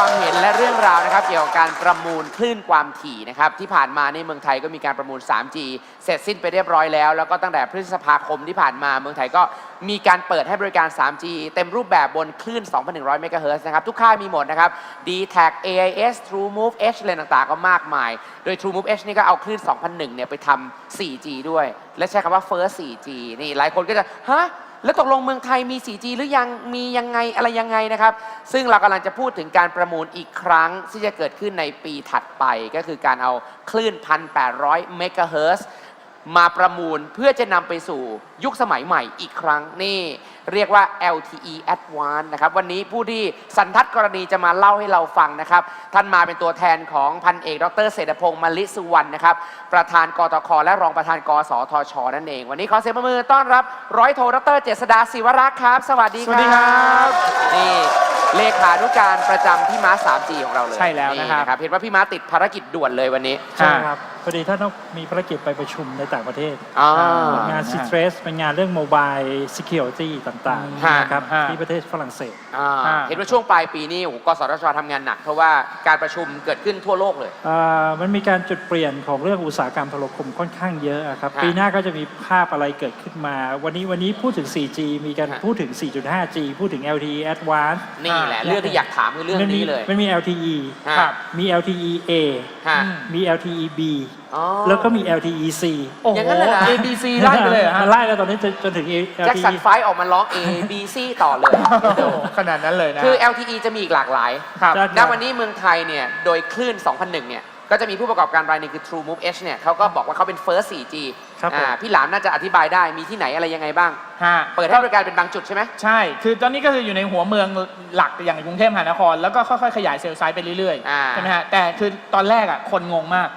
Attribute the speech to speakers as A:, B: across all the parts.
A: ความเห็นและเรื่องราวนะครับเกี่ยวกับการประมูลคลื่นความถี่นะครับที่ผ่านมาในเมืองไทยก็มีการประมูล 3G เสร็จสิ้นไปเรียบร้อยแล้วแล้วก็ตั้งแต่พฤษภาคมที่ผ่านมาเมืองไทยก็มีการเปิดให้บริการ 3G เต็มรูปแบบบนคลื่น 2,100 เมกะเฮิรตซ์นะครับทุกค่ายมีหมดนะครับ D-Tag AIS TrueMove H อะไรต่างๆก็มากมายโดย TrueMove H นี่ก็เอาคลื่น 2001 เนี่ยไปทำ 4G ด้วยและใช้คำว่า First 4G นี่หลายคนก็จะฮะแล้วตกลงเมืองไทยมี 4G หรือยังมียังไงอะไรยังไงนะครับซึ่งเรากำลังจะพูดถึงการประมูลอีกครั้งที่จะเกิดขึ้นในปีถัดไปก็คือการเอาคลื่น 1,800 เมกะเฮิรตซ์มาประมูลเพื่อจะนำไปสู่ยุคสมัยใหม่อีกครั้งนี่เรียกว่า LTE Advanced นะครับวันนี้ผู้ที่สันทัดกรณีจะมาเล่าให้เราฟังนะครับท่านมาเป็นตัวแทนของพันเอกดร.เศรษฐพงษ์มลิสุวรรณนะครับประธานกตค.และรองประธานกสทช.นั่นเองวันนี้ขอเสียงปรบมือต้อนรับร้อยโทดร.เจษฎาศิวรักษ์ครับสวัสดีครับสวัสดีครับนี่เลขานุการประจำพี่ม้า 3G ของเราเลย
B: ใช่แล้วนะครับ
A: เห็นว่าพี่ม้าติดภารกิจด่วนเลยวันนี้
C: ใช่ครับพอดีท่านต้องมีภารกิจไปประชุมในต่างประเทศงานซิเทรสเป็นงานเรื่องโมบายซิเคียวริตี้ต่างๆนะครับที่ประเทศฝรั่งเศส
A: เห็นว่าช่วงปลายปีนี้กสทช.ทำงานหนักเพราะว่าการประชุมเกิดขึ้นทั่วโลกเลย
C: มันมีการจุดเปลี่ยนของเรื่องอุตสาหกรรมโทรคมค่อนข้างเยอะครับปีหน้าก็จะมีภาพอะไรเกิดขึ้นมาวันนี้พูดถึง 4G มีการพูดถึง 4.5G พูดถึง LTE Advanced
A: นี่แหละเรื่องที่อยากถามคือเรื่องนี้เลย
C: มันมี LTE มี LTE A มี LTE B แล้วก็มี LTE C
A: อย่างนั้นเลยนะ
B: A B C ไล่ไปเลย
C: มันไล่แล้วตอนนี้จนถึง
A: แจ็คสันไฟออกมาร้อง A B C ต่อเลย
B: ขนาดนั้นเลยนะ
A: คือ LTE จะมีอีกหลากหลายณวันนี้เมืองไทยเนี่ยโดยคลื่น 2001 เนี่ยก็จะมีผู้ประกอบการรายหนึ่งคือ TrueMove H เนี่ยเขาก็บอกว่าเขาเป็น First 4G พี่หลามน่าจะอธิบายได้มีที่ไหนอะไรยังไงบ้างเปิดให้บริการเป็นบางจุดใช่ไหม
B: ใช่คือตอนนี้ก็คืออยู่ในหัวเมืองหลักอย่างกรุงเทพมหานครแล้วก็ค่อยๆขยายเซลล์ไซส์ไปเรื่อยๆใช่ไหมฮะแต่คือตอนแรกคนงงมาก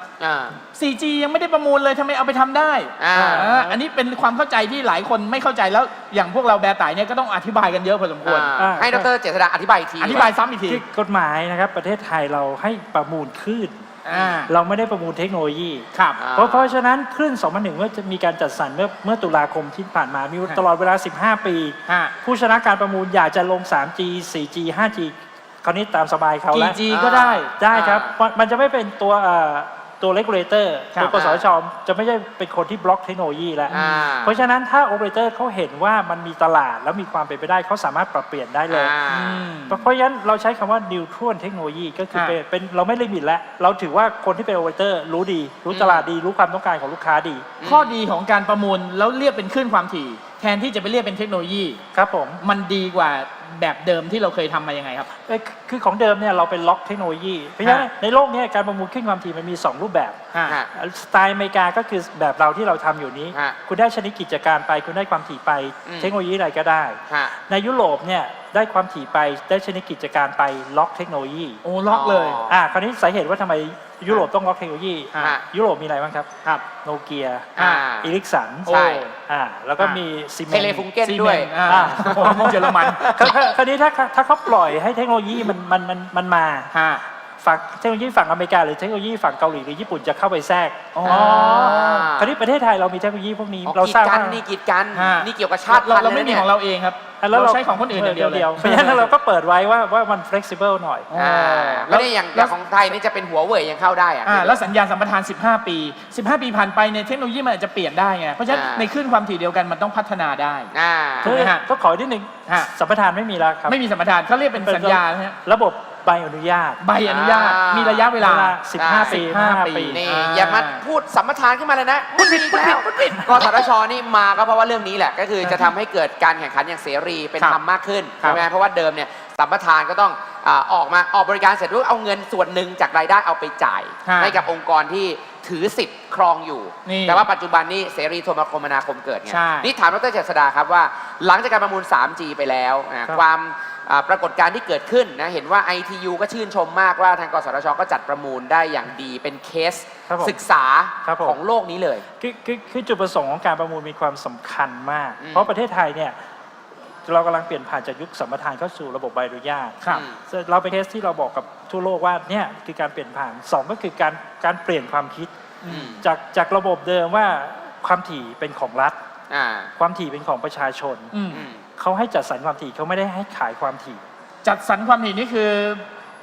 B: 4G ยังไม่ได้ประมูลเลยทำไมเอาไปทำได้อันนี้เป็นความเข้าใจที่หลายคนไม่เข้าใจแล้วอย่างพวกเราแบร์ไต่เนี่ยก็ต้องอธิบายกันเยอะพอสมควร
A: ให้ดร.เจษฎาอธิบายอีกที
B: อธิบายซ้ำอีกที
C: กฎหมายนะครับประเทศไทยเราให้ประมูลคลื่นเราไม่ได้ประมูลเทคโนโลยีเพราะฉะนั้นคลื่น 2001 เมื่อจะมีการจัดสรรเมื่อตุลาคมที่ผ่านมามีตลอดเวลา 15 ปีผู้ชนะการประมูลอยากจะลง 3G 4G 5G คราวนี้ตามสบายเขาแล้ว
B: กี่ G ก็ได้
C: ครับมันจะไม่เป็นตัวเลกูเลเตอร์ตัวกสทช.จะไม่ใช่เป็นคนที่บล็อกเทคโนโลยีแล้วเพราะฉะนั้นถ้าโอเปอเรเตอร์เขาเห็นว่ามันมีตลาดแล้วมีความเป็นไปได้เขาสามารถปรับเปลี่ยนได้เลยเพราะฉะนั้นเราใช้คำว่า neutral เทคโนโลยีก็คือเป็นเราไม่ลิมิตแล้วเราถือว่าคนที่เป็นโอเปอเรเตอร์รู้ดีรู้ตลาดดีรู้ความต้องการของลูกค้าดี
B: ข้อดีของการประมูลแล้วเรียกเป็นคลื่นความถี่แทนที่จะไปเรียกเป็นเทคโนโลยี
C: ครับผม
B: มันดีกว่าแบบเดิมที่เราเคยทำมายังไงครับ
C: คือของเดิมเนี่ยเราเป็นล็อกเทคโนโลยีเพราะฉะนั้นในโลกนี้การประมูลคลื่นความถี่มันมี2รูปแบบสไตล์อเมริกาก็คือแบบเราที่เราทำอยู่นี้คุณได้ชนิดกิจการไปคุณได้ความถี่ไปเทคโนโลยีอะไรก็ได้ในยุโรปเนี่ยได้ความถี่ไปได้ชนิดกิจการไปล็อกเทคโนโลยี
B: โอ้ล็อกเลย
C: คราวนี้สาเหตุว่าทำไมยุโรปต้องล็อกเทคโนโลยียุโรปมีอะไรบ้างครับโนเกียอิริกสัน
A: ใช่
C: แล้วก็มีซีเมนต์
A: เทเลฟุงเก้นด้วย
B: เยอรมัน
C: คราวนี้ถ้าเขาปล่อยให้เทคโนโลยีมันมาฝั่งเทคโนโลยีฝั่งอเมริกาหรือเทคโนโลยีฝั่งเกาหลีหรือญี่ปุ่นจะเข้าไปแทรกคราวนี้ประเทศไทยเรามีเทคโนโลยีพวกนี้
A: เราสร้างนี่กีดกันนี่เกี่ยวกับชาติ
B: เราไม่มีของเราเองครับเราใช้ของคนอื่นอย่างเดียว
C: เพราะฉะนั้นเราก็เปิดไว้ว่ามัน flexible หน่อย
A: ไม่ได้อย่างของไทยนี่จะเป็นหัวเว่ยยังเข้าได้
B: แล้วสัญญาสัมปทาน15 ปีผ่านไปในเทคโนโลยีมันอาจจะเปลี่ยนได้ไงเพราะฉะนั้นในคลื่นความถี่เดียวกันมันต้องพัฒนาได้
C: ถูกไหมฮะก็ขอนิดนึงสัมปทานไม่มีแล้วครับ
B: ไม่มีสัมปทานเขาเรียกเป็นสัญญา
C: ระบบใบอนุญาต
B: มีระยะเวลา
C: 15 ปี
A: นี่อย่ามาพูดสัมปทานขึ้นมาเลยนะพูดผิดกสทช.นี่มาก็เพราะว่าเรื่องนี้แหละก็คือจะทำให้เกิดการแข่งขันอย่างเสรีเป็นธรรมมากขึ้นใช่ไหมเพราะว่าเดิมเนี่ยสัมปทานก็ต้องออกบริการเสร็จปุ๊บเอาเงินส่วนหนึ่งจากรายได้เอาไปจ่ายให้กับองค์กรที่ถือสิทธิ์ครองอยู่แต่ว่าปัจจุบันนี้เสรีโทรคมนาคมเกิดไงนี่ถามดร.เจษฎาครับว่าหลังจากการประมูล 3G ไปแล้วความปรากฏการณ์ที่เกิดขึ้นนะเห็นว่า ITU ก็ชื่นชมมากว่าทางกสทช.ก็จัดประมูลได้อย่างดีเป็นเคสศึกษาของโลกนี้เลย
C: คือจุดประสงค์ของการประมูลมีความสำคัญมากเพราะประเทศไทยเนี่ยเรากำลังเปลี่ยนผ่านจากยุคสัมปทานเข้าสู่ระบบใบอนุญาตเราเป็นเคสที่เราบอกกับทั่วโลกว่าเนี่ยคือการเปลี่ยนผ่าน2ก็คือการเปลี่ยนความคิดจากระบบเดิมว่าความถี่เป็นของรัฐความถี่เป็นของประชาชนเขาให้จัดสรรความถี่เขาไม่ได้ให้ขายความถี่
B: จัดสรรความถี่นี่คือ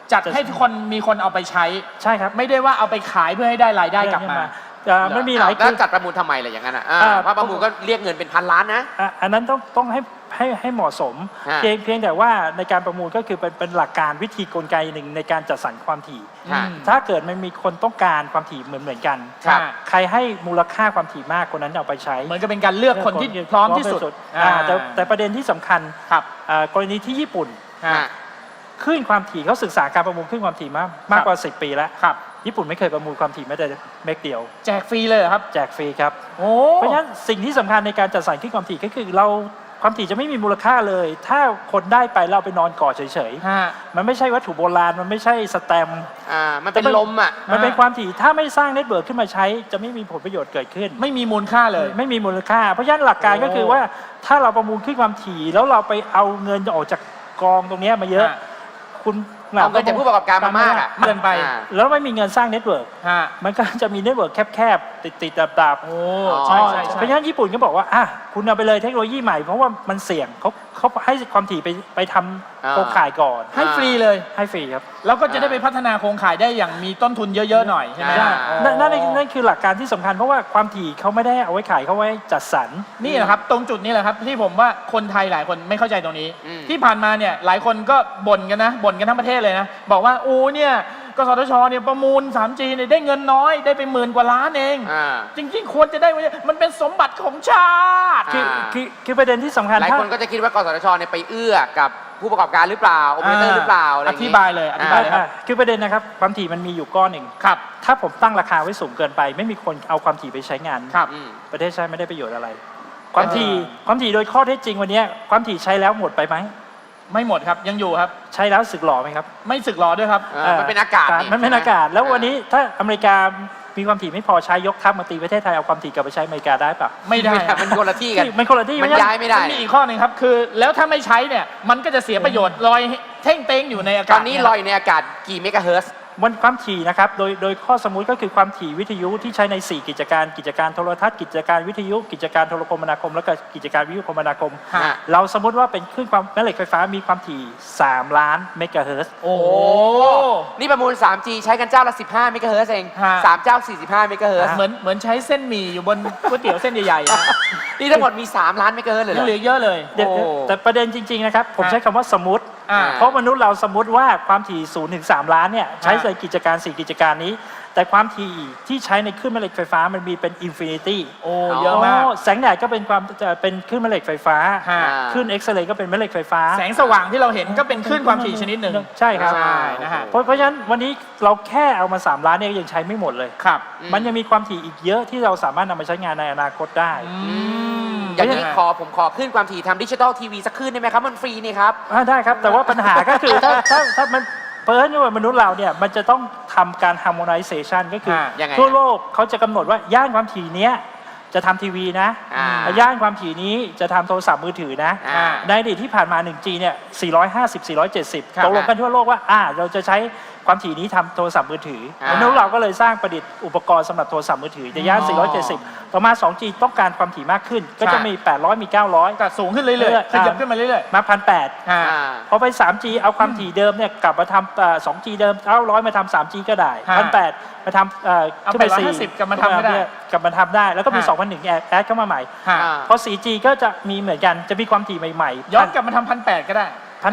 B: จัดให้คนมีคนเอาไปใช้
C: ใช่ครับ
B: ไม่ได้ว่าเอาไปขายเพื่อให้ได้รายได้กลับมา
C: ไม่มีหลาย
A: แล้วจัดประมูลทำไมล่ะอย่างนั้นเพราะประมูลก็เรียกเงินเป็นพันล้านนะ
C: อันนั้นต้องให้เหมาะสม เพียงแต่ว่าในการประมูลก็คือเป็นหลักการวิธีกลไกหนึ่งในการจัดสรรความถี่ ถ้าเกิดมันมีคนต้องการความถี่เหมือนกัน ใครให้มูลค่าความถี่มากคนนั้นเอาไปใช้
B: เหมือนกับเป็นการเลือกคนที่พร้อมที่สุด
C: แต่ประเด็นที่สำคัญกรณีที่ญี่ปุ่นคลื่นความถี่เขาศึกษาการประมูลคลื่นความถี่มากกว่า10 ปีแล้วญี่ปุ่นไม่เคยประมูลความถี่แม้แต่เมกเดียว
B: แจกฟรีเลยครับ
C: แจกฟรีครับเพราะฉะนั้นสิ่งที่สำคัญในการจัดสรรคลื่นความถี่ก็คือเราความถี่จะไม่มีมูลค่าเลย ถ้าคนได้ไปเราไปนอนกอดเฉยๆมันไม่ใช่วัตถุโบราณมันไม่ใช่สแตมป์
A: มันเป็นลม
C: มันเป็นความถี่ถ้าไม่สร้างเน็ตเวิร์กขึ้นมาใช้จะไม่มีผลประโยชน์เกิดขึ้น
B: ไม่มีมูลค่าเลย
C: ไม่มีมูลค่าเพราะฉะนั้นหลักการก็คือว่าถ้าเราประมูลคลื่นความถี่แล้วเราไปเอาเงินออกจากกองตรงนี้มาเยอะคุณ
A: เอาเงินจากผู้ประกอบการมามาก
B: เกินไป
C: แล้วไม่มีเงินสร้างเน็ตเวิร์กมันก็จะมีเน็ตเวิร์กแคบๆติดๆดับๆ
B: ใช่
C: เพราะฉะนั้นญี่ปุ่นก็บอกว่าคุณเอาไปเลยเทคโนโลยีใหม่เพราะว่ามันเสี่ยงเขาให้ความถี่ไปทำโครงข่ายก่อน
B: ให้ฟรีเลย
C: ให้ฟรีครับ
B: แล้วก็จะได้ไปพัฒนาโครงข่ายได้อย่างมีต้นทุนเยอะๆหน่อยใช่ไหม
C: นั่นคือหลักการที่สำคัญเพราะว่าความถี่เขาไม่ได้เอาไว้ขายเขาไว้จัดสรร
B: นี่แหละครับตรงจุดนี้แหละครับที่ผมว่าคนไทยหลายคนไม่เข้าใจตรงนี้ที่ผ่านมาเนี่ยหลายคนก็บ่นกันทั้งประเทศเลยนะบอกว่าเนี่ยกสทชเนี่ยประมูล 3G เนี่ยได้เงินน้อยได้ไป10,000 กว่าล้านเองจริงๆควรจะได้มันเป็นสมบัติของชาติ
C: คือประเด็นที่สำคัญ
A: หลายคนก็จะคิดว่ากสทชเนี่ยไปเอื้อกับผู้ประกอบการหรือเปล่าโอเปอเรเตอร์หรือเปล่า
B: อธิบายเลยครับ
C: คือประเด็นนะครับความถี่มันมีอยู่ก้อนหนึ่ง
B: ครับ
C: ถ้าผมตั้งราคาไว้สูงเกินไปไม่มีคนเอาความถี่ไปใช้งานประเทศชาติไม่ได้ประโยชน์อะไรความถี่โดยข้อเท็จจริงวันนี้ความถี่ใช้แล้วหมดไปไหม
B: ไม่หมดครับยังอยู่ครับ
C: ใช้แล้วสึกหล่อไหมครับ
B: ไม่สึกหล่อด้วยครับ
A: มันเป็นอากาศ
C: มันเป็นอากาศแล้ววันนี้ถ้าอเมริกามีความถี่ไม่พอใช้ยกทัพมาตีประเทศไทยเอาความถี่กลับไปใช้อเมริกาได้ปะ
B: ไม่ได้
A: มันคนละที่กัน
C: มันคนละที่
A: มันย้ายไม่ได้
B: มีอีกข้อหนึ่งครับคือแล้วถ้าไม่ใช้เนี่ยมันก็จะเสียประโยชน์ลอยเท่งเต้งอยู่ในอากาศ
A: ตอนนี้ลอยในอากาศกี่เมกะเฮิร์ตซ์
C: มันความถี่นะครับโดยข้อสมมุติก็คือความถี่วิทยุที่ใช้ใน4กิจการโทรทัศน์กิจการวิทยุกิจการโทรคมนาคมแล้วก็กิจการวิทยุคมนาคมเราสมมติว่าเป็นคลื่นความแม่เหล็กไฟฟ้ามีความถี่3 ล้านเมกะเฮิร์ตซ์
B: โอ้
A: นี่ประมูล 3G ใช้กันเจ้าละ15เมกะเฮิร์ตซ์เอง3เจ้า45เมกะเฮิร์ตซ์
B: เหมือนใช้เส้นหมี่อยู่บนก๋วยเตี๋ยวเส้นใหญ่
A: ๆนี่ทั้งหมดมี3 ล้านเมกะเฮิร์ตซ์เลย
B: เหลือเยอะเลย
C: แต่ประเด็นจริงๆนะครับผมใช้คำว่าสมมติเพราะมนุษย์เราสมมติว่าความถี่0 ถึง 3 ล้านเนี่ยใช้ในกิจการ4กิจการนี้แต่ความถี่ที่ใช้ในคลื่นแม่เหล็กไฟฟ้ามันมีเป็นอินฟินิตี้
B: เยอะมาก
C: แสงแดดก็เป็นเป็นคลื่นแม่เหล็กไฟฟ้าคลื่นเอ็กซเรย์ก็เป็นแม่เหล็กไฟฟ้า
B: แสงสว่างที่เราเห็นก็เป็นคลื่นความถี่ชนิดหนึ่ง
C: ใช่ครับเพราะฉะนั้นวันนี้เราแค่เอามา3 ล้านเนี่ยยังใช้ไม่หมดเลย
B: ครับ
C: มันยังมีความถี่อีกเยอะที่เราสามารถนำมาใช้งานในอนาคตได้
A: อย่างนี้ผมขอคลื่นความถี่ทำดิจิตอลทีวีสักคลื่นได้ไหมครับมันฟรีนี่ครับ
C: ได้ครับแต่ว่าปัญหาก็คือถ้ามันเพราะฉะนั้นมนุษย์เราเนี่ยมันจะต้องทำการ harmonization ก็คือทั่วโลกเขาจะกำหนดว่าย่านความถี่เนี้ยจะทำทีวีนะย่านความถี่นี้จะทำโทรศัพท์มือถือนะในอดีตที่ผ่านมา 1G เนี่ย450 470ตกลงกันทั่วโลกว่าเราจะใช้ความถี่นี้ทำโทรศัพท์มือถือมนุษย์เราก็เลยสร้างประดิษฐ์อุปกรณ์สำหรับโทรศัพท์มือถือในย่าน470ต่อมา 2G ต้องการความถี่มากขึ้นก็จะมี800มี900
B: ก็สูงขึ้นเรื่อยๆขยับขึ้นมาเรื่อย
C: ๆมา 1,800 พอไป 3G เอาความถี่เดิมเนี่ยกลับมาทำ2G เดิม900มาทำ 3G ก็ได้ 1,800 มาทำ
B: ขึ้นไป450กลับมาทำได้
C: กลับมาททำได้แล้วก็มี 2001 แอดเข้ามาใหม่พอ 4G ก็จะมีเหมือนกันจะมีความถี่ใหม่
B: ๆย้อนกลับมาทำ 1,800 ก็ได้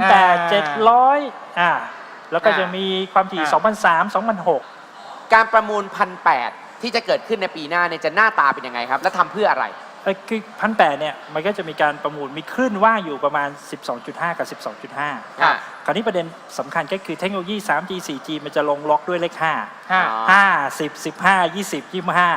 C: 1,800 700แล้วก็จะมีความถี่ 2003 2006
A: การประมูล 1,800 ที่จะเกิดขึ้นในปีหน้าเนี่ยจะหน้าตาเป็นยังไงครับและทำเพื่ออะไร
C: คือ 1,800 เนี่ยมันก็จะมีการประมูลมีคลื่นว่างอยู่ประมาณ 12.5 กับ 12.5 คราวนี้ประเด็นสำคัญก็คือเทคโนโลยี 3G 4G มันจะลงล็อกด้วยเลข5 10 15 20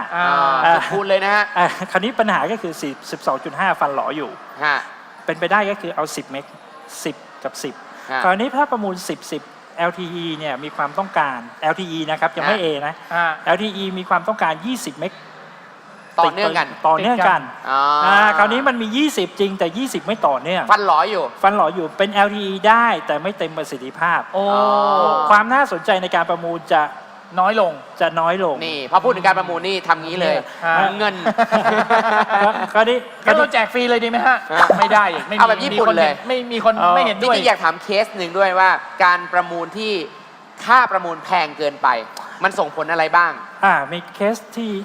C: 25
A: พูดเลยนะฮะ
C: คราวนี้ปัญหาก็คือ 12.5 ฟันหลออยู่เป็นไปได้ก็คือเอา 10 เมก 10 กับ 10 คราวนี้ถ้าประมูล 10 LTE เนี่ยมีความต้องการ LTE นะครับยังไม่ A นะ LTE มีความต้องการ 20 เมก
A: ต่อเนื่องกัน
C: คราวนี้มันมี 20 จริงแต่ 20 ไม่ต่อเนื่อง
A: ฟันหลออยู่
C: เป็น LTE ได้แต่ไม่เต็มประสิทธิภาพความน่าสนใจในการประมูลจะ
B: น้อยลง
A: นี่พอพูดถึงการประมูลนี่ทำงี้เลยเงิน
B: คราวนี้เราแจกฟรีเลยดีไหมฮะไม่ได้
A: เอาแบบญี่ปุ่นเลย
B: ไม่มีคนไม่เห็นด้วย
A: จริงๆอยากถามเคสหนึ่งด้วยว่าการประมูลที่ค่าประมูลแพงเกินไป มันส่งผลอะไรบ้าง
C: มีเคส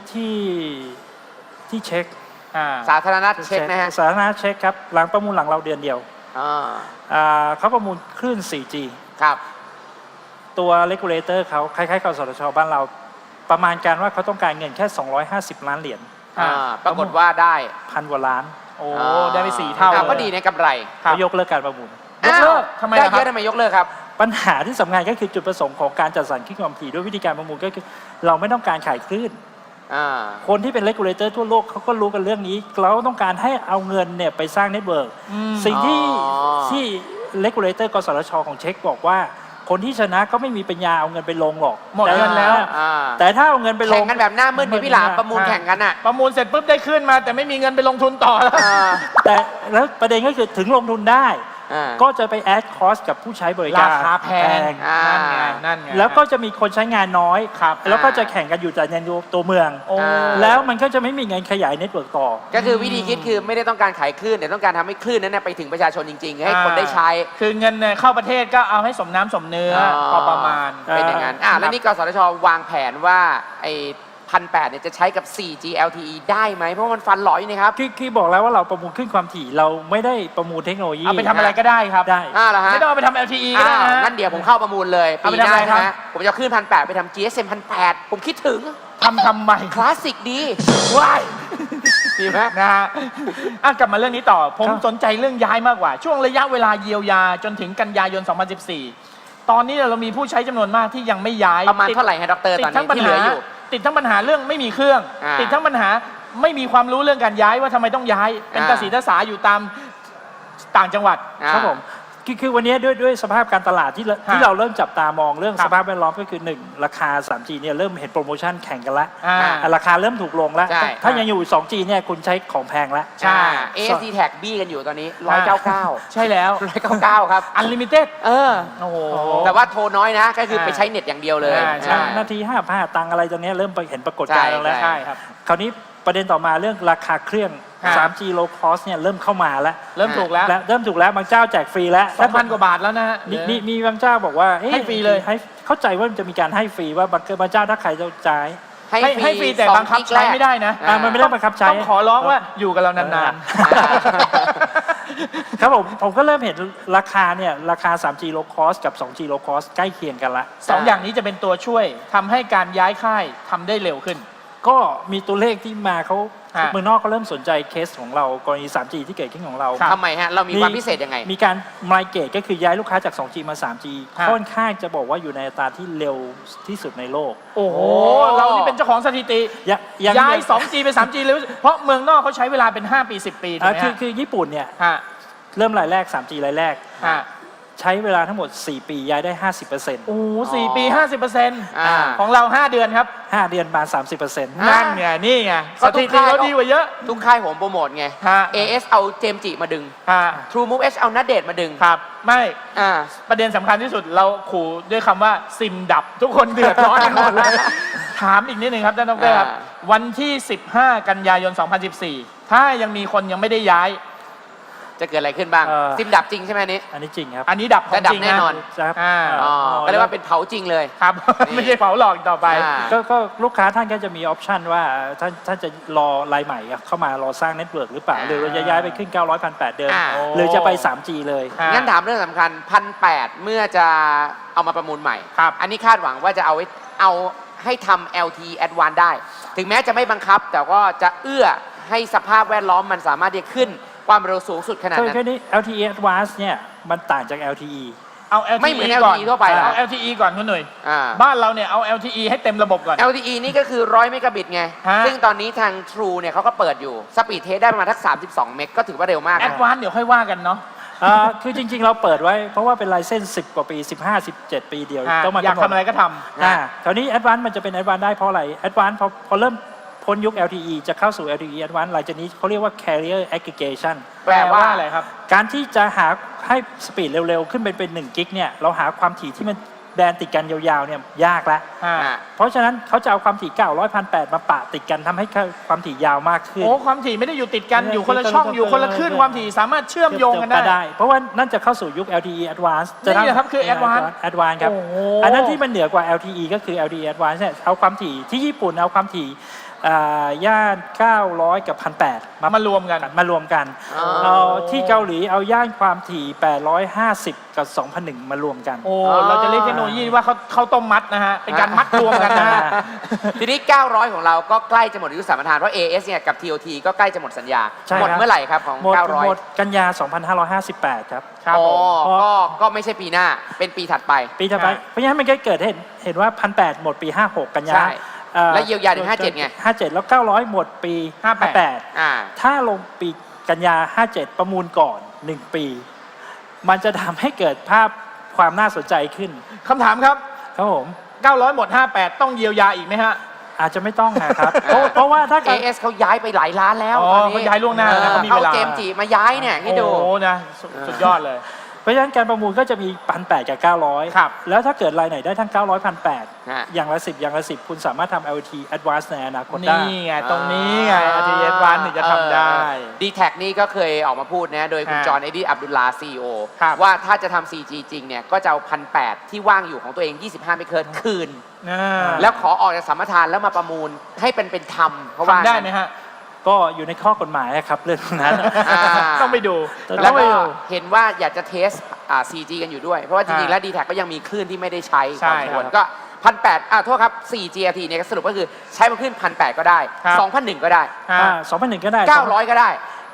C: ที่เช็ค
A: สาธารณะเช็คนะฮะ
C: สาธารณะเช็คครับหลังประมูลหลังเราเดือนเดียว เขาประมูลคลื่น 4G
A: ครับ
C: ตัว regulator เขาคล้ายๆกับสทช.บ้านเราประมาณการว่าเขาต้องการเงินแค่250 ล้านเหรียญ
A: ปรากฏว่าได้
C: 1,000 กว่าล้าน
B: โอ้ได้ไป4 เท่า
A: ก็ดีในกำไร
C: เขายกเลิกการประมูล
B: ยกเลิกทำไม
A: ได้
B: ล่ะค
A: เย
B: รับ
A: อะทำไมยกเลิกครับ
C: ปัญหาที่สำคัญก็คือจุดประสงค์ของการจัดสรรคลื่นความถี่ด้วยวิธีการประมูลก็คือเราไม่ต้องการขายคลื่น คนที่เป็น regulator ทั่วโลกเขาก็รู้กันเรื่องนี้เราต้องการให้เอาเงินเนี่ยไปสร้างเน็ตเวิร์กสิ่งที่ regulator กสทช.ของเช็คบอกว่าคนที่ชนะก็ไม่มีปัญญาเอาเงินไปลงหรอก
B: หมดเงินแล้ว
C: แต่ถ้าเอาเงินไปล
A: แข่
C: ง
A: งกันแบบหน้ามืดนี่พี่หลามประมูลแข่งกันอ่ะ
B: ประมูลเสร็จปุ๊บได้ขึ้นมา แต่ไม่มีเงินไปลงทุนต่อแล้ว
C: แต่แล้วประเด็นก็คือถึงลงทุนได้ ก็จะไปแอดคอสกับผู้ใช้บริการ
B: ราคาแพง นั่นไง
C: แล้วก็จะมีคนใช้งานน้อย
B: ครับ
C: แล้วก็จะแข่งกันอยู่แต่ในตัวเมือง แล้วมันก็จะไม่มีเงินขยายเน็ตเวิร์กต่อ
A: ก็คือวิธีคิดคือไม่ได้ต้องการขายคลื่นแต่ต้องการทำให้คลื่นนั้นไปถึงประชาชนจริงๆ ให้คนได้ใช้
B: คือเงินเนี่ยเข้าประเทศก็เอาให้สมน้ำสมเนื้อพอประมาณ
A: เป็นอย่างนั้นแล้วนี่กสทช.วางแผนว่าไอ้1,800เนี่ยจะใช้กับ 4G LTE ได้ไหมเพราะมันฟันหลอยนี่ครับ
C: คือบอกแล้วว่าเราประมูลขึ้นความถี่เราไม่ได้ประมูลเทคโนโลยี
B: เอาไปทำอะไรก็ได้ครับ
C: ได้
A: เหรอฮะ
B: ไม่ต้องเอาไปทำ LTE ก็ได้นะ
A: งั้นเดี๋ยวผมเข้าประมูลเลย
B: เอา
A: ปี
B: ไป
A: ห
B: ทำ
A: น้า
B: อะไรครับ
A: นะผมจะเอาคลื่น1,800ไปทำ GSM 1,800ผมคิดถึง
B: ทำไม
A: คลาสสิกดี
B: ว้าย
A: ดีไหม
B: นะฮะกลับมาเรื่องนี้ต่อ ผมสนใจเรื่องย้ายมากกว่า ช่วงระยะเวลาเยียวยาจนถึงกันยายน 2014 ตอนนี้เรามีผู้ใช้จำนวนมากที่ยังไม่ย้าย
A: ประมาณเท่าไหร่ฮะดรตอนนี้ที่เหลืออยู่
B: ติดทั้งปัญหาเรื่องไม่มีเครื่อง ติดทั้งปัญหาไม่มีความรู้เรื่องการย้ายว่าทำไมต้องย้าย เป็นกระสีตะสาอยู่ตามต่างจังหวัด
C: ครับผมคือวันนี้ด้วยสภาพการตลาดที่เราเริ่มจับตามองเรื่องสภาพแวดล้อมก็คือ 1 ราคา 3G เนี่ยเริ่มเห็นโปรโมชั่นแข่งกันแล้วราคาเริ่มถูกลงแล้ว ถ้ายังอยู่ 2G เนี่ยคุณใช้ของแพงแล้ว
A: ใช่ ASD Tag บี้กันอยู่ตอนนี้199
B: ใช่แล้ว
A: 199 ครับ
B: Unlimited โอ้โห
A: แต่ว่าโทรน้อยนะ ก็คือไปใช้เน็ตอย่างเดียวเลย
B: ใช่
C: นาที5 ตังค์อะไรตรงนี้เริ่มไปเห็นปรากฏการณ์แล้ว
B: ใช่ครับ
C: คราวนี้ประเด็นต่อมาเรื่องราคาเครื่อง 3G low cost เนี่ยเริ่มเข้ามาแล้ว
B: เริ่มถูกแล้ว
C: เริ่มถูกแล้วบางเจ้าแจกฟรีแล้ว
B: 2,000 กว่าบาทแล้วนะฮะ
C: มีบางเจ้าบอกว่า
B: ให้ฟรีเลย
C: เข้าใจว่ามันจะมีการให้ฟรีว่าบางเจ้าถ้าใครจะจ่าย
B: ให้ฟรีแต่บังคับใช้ไม่ได้นะ
C: มันไม่ได้บังคับใช้
B: ต้องขอร้องว่าอยู่กับเรานาน
C: ครับผมก็เริ่มเห็นราคาเนี่ยราคา 3G low cost กับ 2G low cost ใกล้เคียงกันละ
B: ๆ 2 อย่างนี้จะเป็นตัวช่วยทำให้การย้ายค่ายทำได้เร็วขึ้น
C: ก็มีตัวเลขที่มาเขาเมืองนอกเขาเริ่มสนใจเคสของเรากรณี 3G ที่เกิดขึ้นของเรา
A: ทำไมฮะ เรามีความพิเศษยังไง
C: มีการไมเกรดก็คือย้ายลูกค้าจาก 2G มา 3G ค่อนข้างจะบอกว่าอยู่ในอัตราที่เร็วที่สุดในโลก
B: โอ้โห เรานี่เป็นเจ้าของสถิติ ย้าย 2G ไป 3G เลยเพราะเมืองนอกเขาใช้เวลาเป็น 5 ปี 10 ปีถูกไหมฮะ
C: คือญี่ปุ่นเนี่ย
B: ฮะ
C: เริ่มรายแรก 3G รายแรก
B: ฮะ
C: ใช้เวลาทั้งหมด 4 ปีย้ายได้ 50%
B: โอ้โห4 ปี 50%ของเรา 5 เดือนครับ
C: 5 เดือนมา 30%
B: นั่นไงนี่ไงสถิติเราดีกว่าเยอะ
A: ทุกค่ายผมโปรโมทไง
B: ฮะ
A: AS เอาเจมส์จิมาดึง
B: ฮะ
A: True Move H เอานัดเดทมาดึง
B: ครับ ไม่
A: อ่า
B: ประเด็นสำคัญที่สุดเราขู่ด้วยคำว่าซิมดับ ทุกคนเดือดร้อนกันหมดเลย ถามอีกนิดนึงครับท่านดรครับ วันที่ 15 กันยายน 2014 ถ้ายังมีคนยังไม่ได้ย้าย
A: จะเกิดอะไรขึ้นบ้างซิมดับจริงใช่ไหมอันนี้
C: อันนี้จริงครับ
B: อันนี้ดับของ
A: จะดับ
B: จริง
A: แน่นอน
C: ครับ
A: ก็เรียกว่าเป็นเผาจริงเลย
B: ครับ ไม่ใช่เผาหลอกอีกต่อไป
C: ก็ลูกค้าท่านก็จะมีออปชันว่าท่านจะรอรายใหม่เข้ามารอสร้างเน็ตเวิร์กหรือเปล่าหรือเราจะย้ายไปขึ้น 900,800 เดิมหรือจะไป 3G เลย
A: งั้นถามเรื่องสำคัญ1,800เมื่อจะเอามาประมูลใหม่
B: ครับ
A: อันนี้คาดหวังว่าจะเอาให้ทำ LTE Advanced ได้ ถึงแม้จะไม่บังคับ แต่ก็จะเอื้อให้สภาพแวดล้อมมันสามารถที่จะขึ้นความเร็วสูงสุดขนาดนั้น
C: คือนี้ LTE Advanced เนี่ยมันต่างจาก LTE
B: เอา LTE
A: ไม่เหมือน
B: ก่อน
A: LTE ทั่วไปเหรอ
B: เอา LTE ก่อนคุณหนุ่ย
A: อ่า
B: บ้านเราเนี่ยเอา LTE ให้เต็มระบบก่อน
A: LTE นี่ก็คือ100 เมกะบิตไง
B: ฮะ
A: ซึ่งตอนนี้ทาง True เนี่ยเขาก็เปิดอยู่ สปีดเทสได้ประมาณทัก32 เมกก็ถือว่าเร็วมาก
B: แอดวานซ์เดี๋ยวค่อยว่ากันเนาะ
C: คือจริงๆเราเปิดไว้เพราะว่าเป็นไลเซนส์10 กว่าปี 15-17 ปีเดียวต้องมา
B: อยากทำอะไรก็ท
C: คราวนี้ Advanced มันจะเป็น Advanced ได้เพราะอะไร Advanced พอเริ่มพ้นยุค LTE จะเข้าสู่ LTE Advanced หลังจากนี้เขาเรียกว่า Carrier Aggregation
B: ำแปลว่าอะไรครับ
C: การที่จะหาให้สปีดเร็วๆ ขึ้นเป็น1 กิกเนี่ยเราหาความถี่ที่มันแบนติดกันยาวๆเนี่ยยากแล้ว
B: อ่า
C: เพราะฉะนั้นเขาจะเอาความถี่ 900 1,800 มาปะติดกันทำให้ความถี่ยาวมากขึ้น
B: โอ้ความถี่ไม่ได้อยู่ติดกันอยู่คนละช่องอยู่คนละคลื่นความถี่สามารถเชื่อมโยงกันได้
C: เพราะว่านั่นจะเข้าสู่ยุค LTE Advanced
B: นี่ครับคือ Advanced
C: Advanced ครับ
B: โอ้โห
C: อันนั้นที่มันเหนือกว่า LTE ก็คือ LTE Advanced เนี่ยเอาความถี่ที่ญี่ปุ่นเอาความถี่ย่าน 900 กับ 1,800
B: มารวมกัน
C: มารวมกัน
A: อ๋อ
C: เอาที่เกาหลีเอาย่านความถี่ 850 กับ 2,001 มารวมกัน
B: โอ้เราจะเรียกเทคโนโลยีว่าเขาต้มมัดนะฮะเป็นการมัดรวมกันนะฮะ
A: ทีนี้ 900 ของเราก็ใกล้จะหมดอายุสัมปทานเพราะ AS เนี่ยกับ TOT ก็ใกล้จะหมดสัญญา
C: ใช่
A: หมด
C: ครับ
A: เมื่อไหร่ครับของ
C: หมด
A: 900
C: กันยา 2558 ครับ
B: ครับ
A: อ๋อ
B: ผม
A: ก็ไม่ใช่ปีหน้าเป็นปีถัดไป
C: ปีถัดไป
B: ใช่
C: เพราะฉะนั้นมันก็เกิดเห็นว่า 1,800 หมดปี 56 กันยา
A: ใช่ แล้วเยียวยาถึง57ไง
C: 57 แล้ว 900 หมดปี 58
A: อ่า
C: ถ้าลงปีกันยา 57 ประมูลก่อน 1 ปี มันจะทำให้เกิดภาพความน่าสนใจขึ้น
B: คำถามครับ
C: ครับผม
B: 900 หมด 58 ต้องเยียวยาอีกไหมฮะ
C: อาจจะไม่ต้องนะครับ เพราะว่าถ้าเกิด
A: AS เขาย้ายไปหลายล้านแล้ว
B: อ๋อ
A: ตอนนี้
B: เขาย้ายล่วงหน้านะเขามีเวลา
A: เจมส์จีมาย้ายเนี่ยให้ดู
B: โอ้โหนะสุดยอดเลย
C: เพราะฉะนั้นการประมูลก็จะมี 1,800 กับ 900
B: ครับ
C: แล้วถ้าเกิดรายไหนได้ทั้ง 900 1,800
A: ฮะ
C: อย่างละ 10 อย่างละ 10 คุณสามารถทำ LT Advanced ในอนาคตได้
B: นี่ไงตรงนี้ไง RTS วันถึงจะทำได้
A: ดีแท็นี่ก็เคยออกมาพูดนะโดยคุณ
B: ฮะ
A: จอห์น เอ็ดดี้ อับดุลลาห์ CEO
B: ครับ
A: ว่าถ้าจะทำ 4G จริงเนี่ยก็จะเอา 1,800 ที่ว่างอยู่ของตัวเอง 25 เมกะเฮิรตซ์คืน
B: อ่า
A: แล้วขอออกจากสัมปทานแล้วมาประมูลให้เป็นธรรมเพราะว่า
B: ทำได้ไหมฮะ
C: ก็อยู่ในข้อกฎหมายนะครับเรื่องนั้น
A: อ่า
B: ต้องไปดู
A: แล้ว
C: ไม่
A: ก็
C: รู้
A: เห็นว่าอยากจะเทส4G กันอยู่ด้วย เพราะว่าจริงๆ แล้ว d t แทก็ยังมีคลื่นที่ไม่ได้ใช้
B: ใช่
A: พอสมควร
B: ครับ
A: ก็ 1,800 โทษครับ 4G LTE เนี่ยสรุปก็คือใช้มาคลื่น 1,800 ก็ได้
B: ครับ
A: 2,001 ก็ได้
C: 2,001 ก็ได้
A: 900 ก็ได้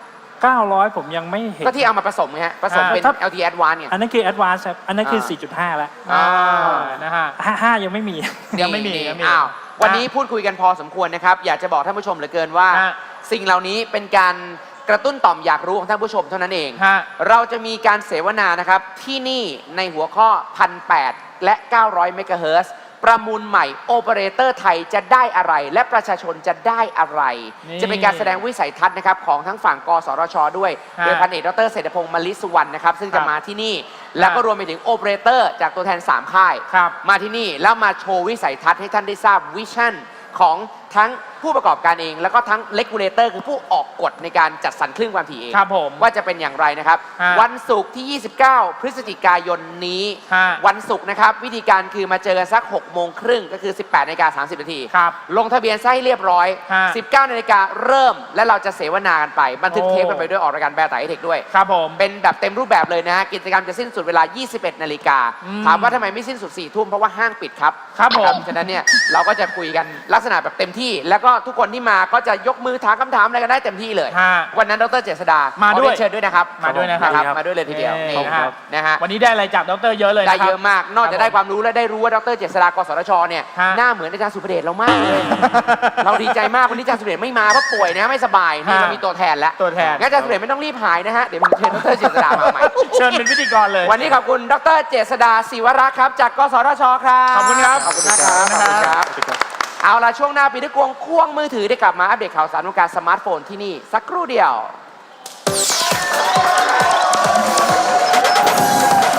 C: 900 ผมยังไม่เห็น
A: ก็ที่เอามาผสมไงฮะผสมเป็น
C: ถ้า
A: LTE Advanced ไง
C: อันนั้นคือ Advanced ครับอันนั้นคือ 4.5 แล้ว
B: อ่านะฮะ
C: 5 ยังไม่มี
B: ยังไม่มี
A: นี่
B: ยังไม่มี
A: อ้าววันนี้พูดคุยกันพอสมควรนะครับ อยากจะบอกท่านผู้ชมเหลือเกินว่า
B: ฮะ
A: สิ่งเหล่านี้เป็นการกระตุ้นต่อมอยากรู้ของท่านผู้ชมเท่านั้นเอง
B: ฮะ
A: เราจะมีการเสวนานะครับ ที่นี่ในหัวข้อ 1,800 และ 900 เมกะเฮิรตซ์ประมูลใหม่โอเปอเรเตอร์ไทยจะได้อะไร และประชาชนจะได้อะไร
B: นี่
A: จะเป็นการแสดงวิสัยทัศน์นะครับของทั้งฝั่งกสทชด้วย
B: ฮะ
A: โดยพันเอกดรเศรษฐพงศ์มลิสุวรรณนะครับซึ่งจะ
B: ครับ
A: มาที่นี่ แล้วก็รวมไปถึงโอเปอเรเตอร์จากตัวแทน 3 ค่าย
B: ครับ
A: มาที่นี่แล้วมาโชว์วิสัยทัศน์ให้ท่านได้ทราบวิชั่นของทั้งผู้ประกอบการเอง แล้วก็ทั้งเลกูเลเตอร์คือผู้ออกกฎในการจัดสรรคลื่นความถี่เอง
B: ครับผม
A: ว่าจะเป็นอย่างไรนะครับ
B: ฮะ
A: วันศุกร์ที่ 29 พฤศจิกายนนี้
B: ฮะ
A: วันศุกร์นะครับ วิธีการคือมาเจอกันสัก 6 โมงครึ่งก็คือ 18:30 นาที
B: ครับ
A: ลงทะเบียนซะให้เรียบร้อย
B: ฮะ
A: 19 นาฬิกาเริ่มและเราจะเสวนากันไป บันทึก
B: โอ้
A: เทปกันไปด้วยออกรายการแบร์ไตเทคด้วย
B: ครับผม
A: เป็นแบบเต็มรูปแบบเลยนะฮะกิจกรรมจะสิ้นสุดเวลา 21 นาฬิกา
B: อืม
A: ถามว่าทำไมไม่สิ้นสุด 4 ทุ่มเพราะว่าห้างปิดครับ
B: ครับผม
A: ฉะนั้นเนี่ยเราก็จะคุยกันลักษณะแบบเต็มที่ แล้วก็ทุกคนที่มาก็จะยกมือถามคำถามอะไรกันได้เต็มที่เลย
B: ฮะ
A: วันนั้นดรเจษดา
B: มาด้วย
A: ขอเรีนเชิญด้วยนะครับ
B: มาด้วยนะครับ
A: มาด้วยเลยทีเดียว
B: นี่
A: นี่
B: นะฮะ
A: นะฮะ
B: วันนี้ได้อะไรจากดรเยอะเลย
A: ได้
B: นะครับ
A: เยอะมาก นอกจากได้ความรู้และได้รู้ว่าดรเจษฎากสทชเนี่ย
B: ฮะ
A: หน้าเหมือนอาจารย์สุภเดชเรามากเลย เราดีใจมากวันนี้อาจารย์สุภเดชไม่มาเพราะป่วยนะไม่สบายนี่
B: ฮะ
A: เรามีตัวแทนแล้ว
B: ตัวแทน
A: งั้นอาจารย์สุภเดชไม่ต้องรีบหายนะฮะเดี๋ยวผมเชิญดรเจษฎามาใหม่
B: เชิญเป็นพิธีกรเลย
A: วันนี้ขอบคุณดรเจษฎาศิวรักษ์ครับจากกสทชครับ
B: ขอบคุณครับ
A: ขอบคุณมากครับ
B: ขอบคุณครับ
A: เอาล่ะช่วงหน้าปีด้วยกวงควงมือถือได้กลับมาอัปเดตข่าวสารวงการสมาร์ทโฟนที่นี่สักครู่เดียว